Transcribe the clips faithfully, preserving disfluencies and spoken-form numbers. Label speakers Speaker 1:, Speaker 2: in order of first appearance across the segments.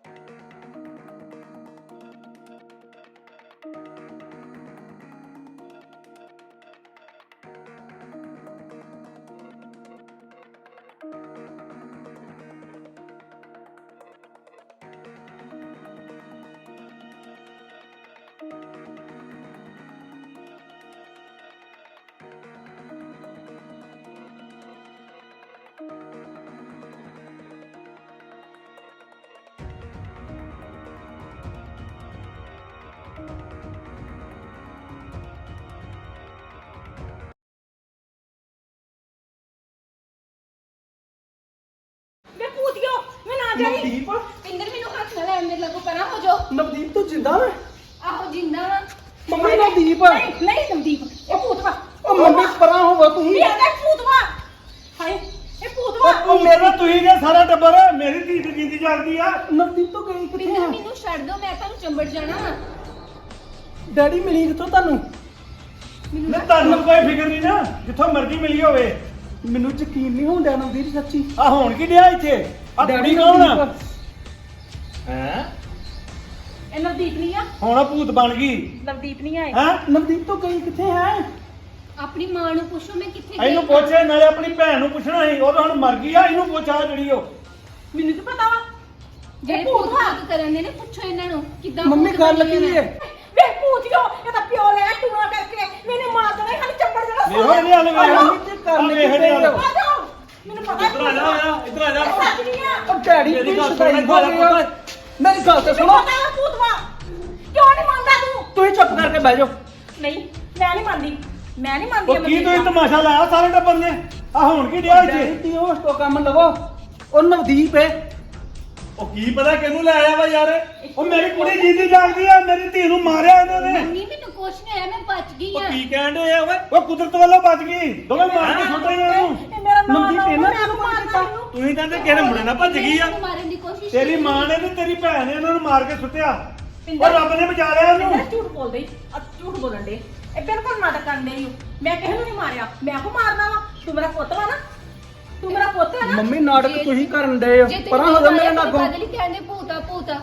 Speaker 1: नवदीप
Speaker 2: पिंदर मेनू हाथ ना लै मेरे लगो परा हो जाओ।
Speaker 1: नवदीप तो जिंदा है।
Speaker 2: आहो जिंदा वा।
Speaker 1: मम्मी नवदीप
Speaker 2: नहीं नहीं नवदीप ए भूत वा।
Speaker 1: ओ मम्मी परा होवा तू ही।
Speaker 2: ये भूत वा। हाय ए भूत वा।
Speaker 3: ओ मेरा तू ही ने सारा टब्बर मेरी धी दी जिंदी जागदी आ।
Speaker 1: नवदीप तो गई किथे
Speaker 2: पिंदर
Speaker 1: है?
Speaker 2: मेनू छड़ दो मैं तानू चंबड़ जाना वा।
Speaker 1: डैडी मिली किथों तानू?
Speaker 3: मैं तानू कोई फिक्र नहीं ना जिथों मर्जी मिली होवे।
Speaker 1: ਮੈਨੂੰ ਯਕੀਨ ਨਹੀਂ ਹੁੰਦਾ ਨਵਦੀਪ ਸੱਚੀ।
Speaker 3: आ होण की दिया इथे आ
Speaker 1: डैडी
Speaker 3: डैडी कौन
Speaker 1: नवदीप।
Speaker 3: हैं
Speaker 2: ए नवदीप नहीं आ।
Speaker 3: ਹੁਣ ਆ ਭੂਤ ਬਣ ਗਈ
Speaker 2: नवदीप नहीं आए।
Speaker 3: हैं
Speaker 1: ਨਵਦੀਪ ਤੋਂ ਗਈ ਕਿੱਥੇ ਹੈ?
Speaker 2: अपनी मां नु पूछो मैं किथे गई।
Speaker 3: ਇਹਨੂੰ ਪੁੱਛੇ ਨਾਲੇ ਆਪਣੀ ਭੈਣ ਨੂੰ ਪੁੱਛਣਾ ਸੀ ਉਹ ਤਾਂ ਹੁਣ ਮਰ ਗਈ ਆ ਇਹਨੂੰ ਪੁੱਛ ਆ ਜਿਹੜੀ ਉਹ
Speaker 2: ਮੈਨੂੰ ਤਾਂ ਪਤਾ ਵਾ ਜਿਹੜੇ ਭੂਤ ਬਾਤ ਕਰਨ ਦੇ ਨੇ ਪੁੱਛੋ ਇਹਨਾਂ ਨੂੰ ਕਿੱਦਾਂ
Speaker 1: ਮੰਮੀ
Speaker 2: ਭੂਤ
Speaker 1: ਗੱਲ
Speaker 2: ਬਣੇ
Speaker 1: ਕੀ
Speaker 2: ਹੋਏ
Speaker 1: ਹੈ?
Speaker 2: ਵੇ ਭੂਤਿਓ ਇਹਦਾ ਪਿਓ ਲੈ ਟੂਣਾ ਕਰਕੇ ਮੈਨੇ ਮਾਰ ਦੇਣਾ ਖਾਲੀ ਚੱਪੜ ਦੇਣਾ
Speaker 3: ਵੇਖੋ ਇਹਨੇ ਹਾਲੇ ਵੇਖ
Speaker 1: ਮੰਮੀ ਤੇ ਕਰਨੀ
Speaker 3: ਵੇਖ ਇਹਨੇ ਹਾਲੇ।
Speaker 2: ਆ ਜਾਓ ਮੈਨੂੰ ਪਤਾ
Speaker 3: ਇੱਧਰ ਆ ਜਾ ਆ ਇੱਧਰ ਆ ਜਾ
Speaker 2: ਸੱਚ ਨਹੀਂ ਆ
Speaker 1: ਉਹ ਡੈਡੀ
Speaker 3: ਮੇਰੀ
Speaker 1: ਮੇਰੀ
Speaker 3: ਗੱਲ
Speaker 1: ਗੱਲ
Speaker 3: ਸੁਣ,
Speaker 1: ਸੁਣ
Speaker 3: ਮੇਰੀ ਗੱਲ
Speaker 1: ਮੇਰੀ ਗੱਲ ਤੇ
Speaker 2: ਤੈਨੂੰ
Speaker 1: ਸੁਣੋ।
Speaker 2: ਪਤਾ ਵਾ ਭੂਤ ਵਾ ਕਿਉਂ ਨਹੀਂ ਮੰਨਦਾ ਤੂੰ
Speaker 1: ਤੁਸੀਂ ਚੁੱਪ ਕਰਕੇ ਬਹਿ ਜਾਓ।
Speaker 2: ਨਹੀਂ ਮੈਂ ਨਹੀਂ ਮੰਨਦੀ ਮੈਂ ਨਹੀਂ ਮੰਨਦੀ
Speaker 3: ਉਹ ਕੀ ਤੁਸੀਂ ਤਮਾਸ਼ਾ ਲਾਇਆ ਸਾਰੇ ਟੱਬਰ ਨੇ ਆ ਹੁਣ ਕੀ ਡਿਆ ਇੱਥੇ
Speaker 1: ਡੈਡੀ ਤੀ ਹੋਸ਼ ਤੋਂ ਕੰਮ ਲਵੋ। ਉਹ ਨਵਦੀਪ ਹੈ।
Speaker 3: ਉਹ ਕੀ ਪਤਾ ਕਿਹਨੂੰ ਲੈ ਆਇਆ ਵਾ ਯਾਰ ਉਹ ਮੇਰੀ ਕੁੜੀ ਜਿੰਦੀ ਜਾਗਦੀ ਆ ਮੇਰੀ ਧੀ ਨੂੰ ਮਾਰਿਆ ਇਹਨਾਂ ਨੇ
Speaker 2: ਮੰਮੀ ਮੈਨੂੰ ਕੁਛ ਨਹੀਂ ਹੋਇਆ ਮੈਂ ਬਚ ਗਈ
Speaker 3: ਉਹ
Speaker 2: ਆ
Speaker 3: ਕੀ ਕਹਿਣ ਦੇ ਆ ਓਏ ਉਹ ਕੁਦਰਤ ਵੱਲੋਂ ਬਚ ਗਈ ਦੋਵੇਂ ਮਾਰ ਕੇ ਸੁੱਟ ਰਹੀਆਂ ਇਹਨੂੰ
Speaker 2: ਇਹ ਮੇਰਾ ਨਾਮ
Speaker 1: ਨਵਦੀਪ ਇਹਨਾਂ ਨੇ
Speaker 2: ਮੈਨੂੰ ਮਾਰਨਾ ਇਹਨੂੰ
Speaker 3: ਤੁਸੀਂ ਕਹਿੰਦੇ ਕਿਹੜੇ ਮੁੰਡੇ ਨਾਲ ਭੱਜ ਗਈ ਆ
Speaker 2: ਮੈਨੂੰ ਮਾਰਨ ਦੀ ਕੋਸ਼ਿਸ਼
Speaker 3: ਤੇਰੀ ਮਾਂ ਨੇ ਤੇ ਤੇਰੀ ਭੈਣ ਨੇ ਇਹਨਾਂ ਨੂੰ ਮਾਰ ਕੇ ਸੁੱਟਿਆ ਉਹ ਰੱਬ ਨੇ ਬਚਾ ਲਿਆ
Speaker 2: ਇਹ
Speaker 3: ਉਹਨੂੰ
Speaker 2: ਝੂਠ ਬੋਲਦੇ ਈ, ਆ ਝੂਠ ਬੋਲਣ ਦੇ ਇਹ ਬਿਲਕੁਲ ਨਾਟਕ ਕਰਨ ਦੇ ਮੈਂ ਕਿਸੇ ਨੂੰ ਨਹੀਂ ਮਾਰਿਆ ਮੈਂ ਕੋ ਮਾਰਨਾ ਵਾ ਤੂੰ ਮੇਰਾ ਪੁੱਤ ਵਾ ਨਾ ਤੂੰ ਮੇਰਾ ਪੁੱਤ ਹੈ ਨਾ
Speaker 1: ਮੰਮੀ ਨਾਟਕ ਤੁਸੀਂ ਕਰਨ ਦੇ ਹੋ। ਪਰਾਂ ਹੋ ਜਾ ਮੇਰੇ ਨਾਲ ਅੱਗੋਂ।
Speaker 2: ਬਦਲੀ ਕਹਿੰਦੇ ਭੂਤਾ ਭੂਤਾ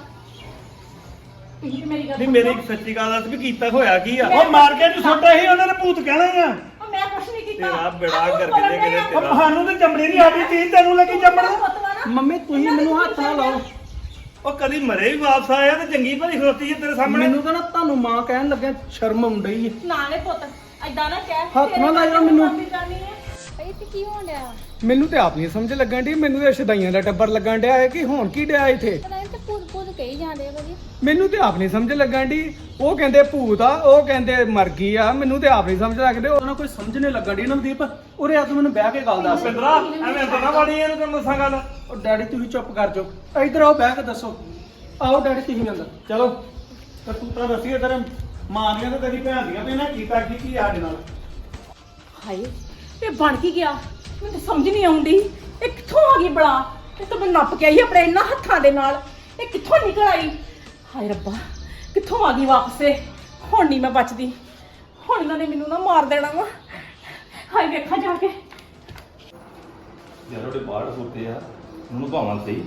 Speaker 2: ਤੁਸੀਂ ਮੇਰੀ ਗੱਲ
Speaker 3: ਨਹੀਂ ਮੇਰੀ ਇੱਕ ਸੱਚੀ ਗੱਲ ਦੱਸ ਵੀ ਕੀਤਾ ਹੋਇਆ ਕੀ ਆ ਉਹ ਮਾਰ ਕੇ ਤੂੰ ਸੁੱਟਿਆ ਸੀ ਉਹਨਾਂ ਨੇ ਭੂਤ ਕਹਿਣਾ ਹੀ ਆ
Speaker 2: ਉਹ ਮੈਂ ਕੁਛ ਨਹੀਂ ਕੀਤਾ
Speaker 3: ਤੇਰਾ ਬੇੜਾ
Speaker 2: ਆ ਤੂੰ
Speaker 3: ਕਰਕੇ
Speaker 2: ਬੋਲਣ
Speaker 3: ਦੇ
Speaker 2: ਡਿਆ।
Speaker 3: ਕਿਤੇ ਤੇਰਾ ਸਾਨੂੰ ਤੇ ਚਮੜੀ ਨਹੀਂ ਆਦੀ ਤੀ ਤੈਨੂੰ ਲੱਗੀ
Speaker 2: ਤੂੰ ਮੇਰਾ
Speaker 3: ਚਮੜ
Speaker 2: ਪੁੱਤ ਵਾ ਨਾ।
Speaker 1: ਮੰਮੀ ਤੁਸੀਂ ਮੈਨੂੰ ਹੱਥ ਨਾ ਲਾਓ।
Speaker 3: ਉਹ ਕਦੀ ਮਰੇ ਵੀ ਵਾਪਸ ਆਇਆ ਤੇ ਚੰਗੀ ਭਲੀ ਖਲੋਤੀ ਹੈ ਤੇਰੇ ਸਾਹਮਣੇ
Speaker 1: ਮੈਨੂੰ ਤਾਂ ਨਾ ਤੁਹਾਨੂੰ ਮਾਂ ਕਹਿਣ ਲੱਗਿਆ ਸ਼ਰਮ ਆਉਂਦੀ ਹੈ।
Speaker 2: ਨਾਲੇ ਪੁੱਤ ਐਦਾਂ ਨਾ ਕਹਿ
Speaker 1: ਹੱਥ ਨਾ ਲਾਇਓ ਮੈਨੂੰ।
Speaker 2: ਇਹ ਤੇ ਕੀ ਹੋਣ ਡਿਆ
Speaker 1: ਮੈਨੂੰ ਤੇ ਆਪ ਨਹੀਂ ਸਮਝ ਲੱਗਣ ਦੀ ਮੈਨੂੰ ਤੇ ਸ਼ਦਾਈਆਂ ਦਾ ਟੱਬਰ ਲੱਗਣ ਡਿਆ ਹੈ ਕਿ ਹੁਣ ਕੀ ਡਿਆ ਇੱਥੇ।
Speaker 2: ਪਤਾ ਨਹੀਂ ਤੇ ਭੂਤ ਭੂਤ ਕਹੀ ਜਾਂਦੇ ਆ ਕਦੀ
Speaker 1: ਮੈਨੂੰ ਤੇ ਆਪ ਨਹੀਂ ਸਮਝ ਲੱਗਣ ਦੀ ਉਹ ਕਹਿੰਦੇ ਭੂਤ ਆ ਉਹ ਕਹਿੰਦੇ ਮਰ ਗਈ ਆ ਮੈਨੂੰ ਤੇ ਆਪ ਨਹੀਂ ਸਮਝ ਲੱਗਦੇ ਉਹਨਾਂ ਕੋਈ ਸਮਝ ਨਹੀਂ ਲੱਗਣ ਦੀ ਨਵਦੀਪ ਉਰੇ ਆ ਤੂੰ ਮੈਨੂੰ ਬਹਿ ਕੇ ਗੱਲ ਦੱਸ।
Speaker 3: ਪਿੰਦਰਾ ਐਵੇਂ ਅੰਦਰ ਨਾ ਵੜੀ ਇਹਨੂੰ ਤੈਨੂੰ ਦੱਸਾਂ ਗੱਲ
Speaker 1: ਉਹ ਡੈਡੀ ਤੁਸੀਂ ਚੁੱਪ ਕਰ ਜਾਓ ਇੱਧਰ ਆਓ ਬਹਿ ਕੇ ਦੱਸੋ। ਆਓ ਡੈਡੀ ਤੁਸੀਂ ਅੰਦਰ
Speaker 3: ਚਲੋ ਤੇ ਤੂੰ ਤਾਂ ਦੱਸੀਏ ਤੇਰੇ ਮਾਂ ਦੀਆਂ ਤੇ ਤੇਰੀ ਭੈਣ ਦੀਆਂ ਵੀ ਇਹਨਾਂ ਕੀਤਾ ਕੀ ਕੀ ਸਾਡੇ ਨਾਲ
Speaker 2: ਹਾਏ ਇਹ ਬਣ ਕੀ ਗਿਆ ਮੈਨੂੰ ਤਾਂ ਸਮਝ ਨਹੀਂ ਆਉਂਦੀ ਇਹ ਕਿੱਥੋਂ ਆ ਗਈ ਬਲਾ ਇਹ ਤਾਂ ਮੈਂ ਨੱਪ ਕੇ ਆਈ ਆਪਣੇ ਇਹਨਾਂ ਹੱਥਾਂ ਦੇ ਨਾਲ ਇਹ ਕਿੱਥੋਂ ਨਿਕਲ ਆਈ ਹਾਏ ਰੱਬਾ ਕਿੱਥੋਂ ਆ ਗਈ ਵਾਪਸ ਇਹ ਹੁਣ ਨਹੀਂ ਮੈਂ ਬਚਦੀ ਹੁਣ ਇਹਨਾਂ ਨੇ ਮੈਨੂੰ ਨਾ ਮਾਰ ਦੇਣਾ ਵਾ ਹਾਏ ਵੇਖਾਂ ਜਾ ਕੇ
Speaker 4: ਯਾਰ ਉਹਦੇ ਬਾਹਰ ਸੁੱਤੇ ਆ ਉਹਨੂੰ ਭਾਵਾਂ ਸਹੀ